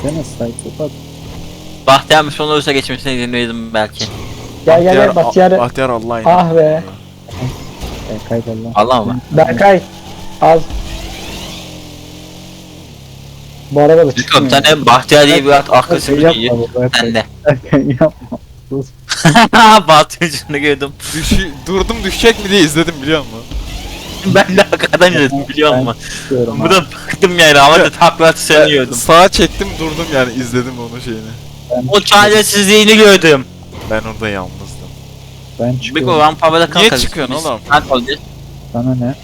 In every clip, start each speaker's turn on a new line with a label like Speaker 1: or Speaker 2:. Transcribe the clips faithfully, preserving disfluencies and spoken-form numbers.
Speaker 1: Gene psychopat.
Speaker 2: Bahtiyar son olursa geçmesine izin verirdim belki.
Speaker 3: Gel gel gel Bahtiyar'ı.
Speaker 4: Bahtiyar Allah'ın.
Speaker 3: Ah be.
Speaker 1: E, kaydol lan.
Speaker 2: Allah mı?
Speaker 3: Berkay. Al. Bu araba da
Speaker 2: Çıkıyorum
Speaker 3: çıkmıyor.
Speaker 2: sen de Bahtiyar diye bir at akılsız bir
Speaker 1: Yapma
Speaker 2: iyi.
Speaker 1: bu Berkay.
Speaker 2: Sen de.
Speaker 1: Berkay yapma. Sus.
Speaker 2: Bahtiyar'ını gördüm.
Speaker 4: Düşü, durdum düşecek mi diye izledim biliyor musun?
Speaker 2: Ben de arkadan izledim biliyor musun?
Speaker 1: Çıkıyorum
Speaker 2: Bu
Speaker 1: ha.
Speaker 2: da baktım yani ama da takla sanıyordum.
Speaker 4: Sağa çektim durdum yani izledim onun şeyini.
Speaker 2: O çaresizliğini gördüm.
Speaker 4: Ben orada yalnızdım.
Speaker 1: Ben
Speaker 2: Bir
Speaker 1: çıkıyorum.
Speaker 2: o rampavada kalk.
Speaker 4: Niye çıkıyorsun oğlum?
Speaker 2: Kalk oldu.
Speaker 1: Sana ne?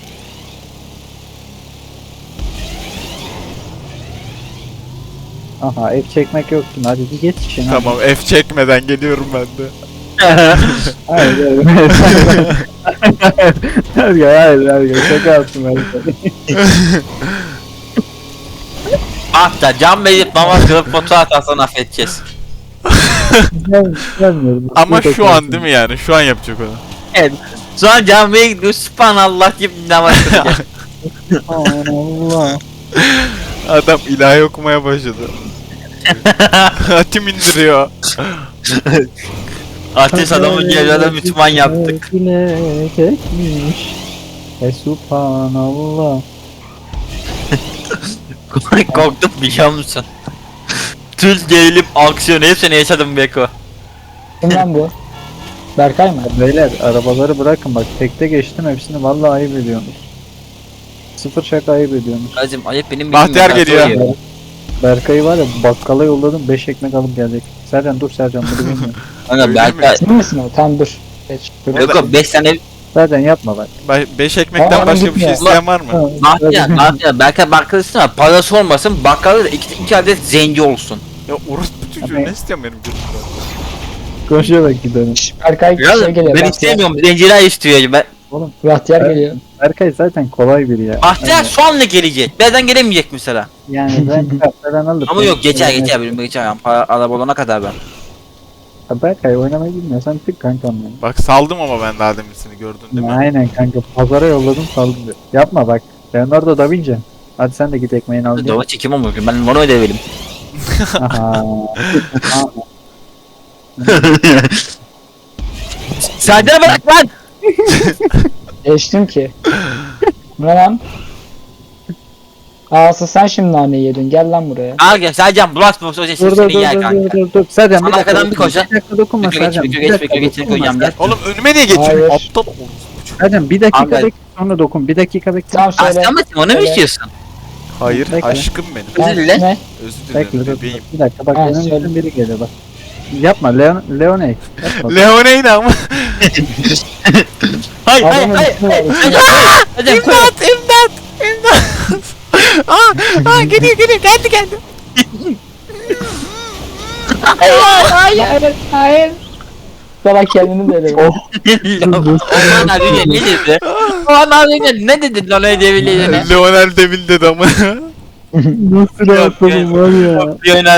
Speaker 1: Aha ev çekmek yoktu. Hadi bir geç işine.
Speaker 4: Tamam F çekmeden geliyorum ben de.
Speaker 1: Hayır hayır. Hayır hayır hayır. Şaka yaptım Berkay.
Speaker 2: Bahtiyar can verip namaz kılıp fotoğraf atarsan affedeceğiz.
Speaker 1: Ben gelmiyorum.
Speaker 4: Ama şu an değil mi yani? Şu an yapacak onu.
Speaker 2: Evet. Şu an camiye gidiyor subhanallah deyip namaz kılacak.
Speaker 1: Allah.
Speaker 4: Adam ilahi okumaya başladı. Hatim indiriyor.
Speaker 2: Ateş adamı geliyorda Müslüman yaptık.
Speaker 1: Bilecekmiş. E subhanallah.
Speaker 2: Korktum biliyor musun? Tüz gerilip aksiyon hepsini yaşadım Beko.
Speaker 3: Kim lan bu? Berkay mı?
Speaker 1: Beyler arabaları bırakın bak tekte geçtim hepsini vallahi ayıp ediyorsunuz. Sıfır şaka ayıp ediyorsunuz.
Speaker 2: Hacım ayıp benim
Speaker 4: Bahtiyar
Speaker 2: bildiğim
Speaker 4: geliyor.
Speaker 2: soruyor.
Speaker 1: Berkay'ı var ya bakkala yolladım beş ekmek alıp gelecek. Sercan dur Sercan bunu bilmiyorum.
Speaker 2: Kanka
Speaker 4: Öyle
Speaker 2: Berkay.
Speaker 3: Sen misin o? Tamam dur. Geç. Dur.
Speaker 2: Beko beş tane
Speaker 1: Sercan yapma bak.
Speaker 4: beş ekmekten
Speaker 3: Aa,
Speaker 4: başka bir şey
Speaker 3: gitmiyor.
Speaker 4: isteyen var mı?
Speaker 2: Bahtiyar, Bahtiyar, Berkay bakkal istiyor ama parası olmasın, bakkalda da iki, iki adet zenci olsun.
Speaker 4: Ya orospu çocuğu
Speaker 1: Abi-
Speaker 4: ne istiyorsun benim gözümden?
Speaker 1: Konuşarak gidelim.
Speaker 3: Şş, Berkay
Speaker 2: Ya
Speaker 3: şey geliyor.
Speaker 2: ben
Speaker 3: Bahtiyar.
Speaker 2: istemiyorum, zenciler istiyor. Ben,
Speaker 1: Oğlum
Speaker 3: Bahtiyar
Speaker 1: Ben-
Speaker 3: geliyor.
Speaker 1: Berkay zaten kolay biri ya.
Speaker 2: Bahtiyar sonra gelecek, birazdan gelemeyecek mesela.
Speaker 1: Yani ben kartlardan alıp.
Speaker 2: Ama yok geçer geçer, benim geçer. Yani para, araba olana kadar ben.
Speaker 1: Ya Berkay oynamayı bilmiyorsan tık kankam benim.
Speaker 4: Bak saldım ama ben daha deminsini gördün değil mi?
Speaker 1: Aynen kanka pazara yolladım saldım diyor. Yapma bak. Leonardo da Vinci. Hadi sen de git ekmeğini al gel.
Speaker 2: Dova çekim olmuyor, ben mono ödevelim.
Speaker 1: Aha. Aha.
Speaker 2: Serdar bırak lan!
Speaker 3: Geçtim ki. Ne lan? Aa asıl sen şimdi naneyi yedin. Gel lan buraya.
Speaker 2: Al gel, Sercan bulaşma, o
Speaker 1: Dur
Speaker 2: sesini
Speaker 1: dur dur
Speaker 2: yer
Speaker 1: dur
Speaker 2: kanka.
Speaker 1: dur dur. Sercan
Speaker 2: Sana
Speaker 1: bir dakika.
Speaker 2: arkadan bir koşa.
Speaker 1: Bir dakika dokunma
Speaker 2: Bekle, geç,
Speaker 1: Sercan.
Speaker 2: bekle,
Speaker 1: Bir
Speaker 2: geç,
Speaker 1: dakika
Speaker 2: bekle, geç,
Speaker 1: dokunma
Speaker 2: koyacağım, gel.
Speaker 1: Sercan.
Speaker 4: Oğlum önüme niye geçiyorsun?
Speaker 3: Hayır.
Speaker 4: Aptal orospu çocuğu.
Speaker 1: Sercan bir dakika
Speaker 2: Abi.
Speaker 1: bekle sonra dokun. Bir dakika bekle.
Speaker 3: Tamam söyle.
Speaker 2: Aslan mı? Onu mu
Speaker 3: Söyle.
Speaker 2: istiyorsun?
Speaker 4: Hayır
Speaker 1: Bekle.
Speaker 4: aşkım benim.
Speaker 3: Ha,
Speaker 2: Özür dile.
Speaker 3: Ne?
Speaker 4: Özür
Speaker 1: Bekle
Speaker 4: dilerim
Speaker 1: dur, dur.
Speaker 4: bebeğim.
Speaker 1: Bir dakika bak
Speaker 3: Ha,
Speaker 1: önümüzden
Speaker 3: söyle.
Speaker 1: biri geliyor bak. Yapma Leon Leoney. Yapma.
Speaker 4: Leoneyna ama.
Speaker 2: Hayır, hayır,
Speaker 3: Adamın
Speaker 2: hayır.
Speaker 3: ismi var.
Speaker 2: hayır.
Speaker 3: ismi var.
Speaker 2: Hocam koy.
Speaker 4: İmdat imdat imdat. aa, aa geliyor geliyor geldi geldi.
Speaker 3: Hayır hayır hayır. Sana kendini de öyle.
Speaker 1: Oh.
Speaker 2: Aman abi ne dedi? Aman abi ne dedi lan öyle devirliğine?
Speaker 4: Leonel Devil dedi ama.
Speaker 1: Nasıl rahatladım var ya.
Speaker 2: Bir oynar.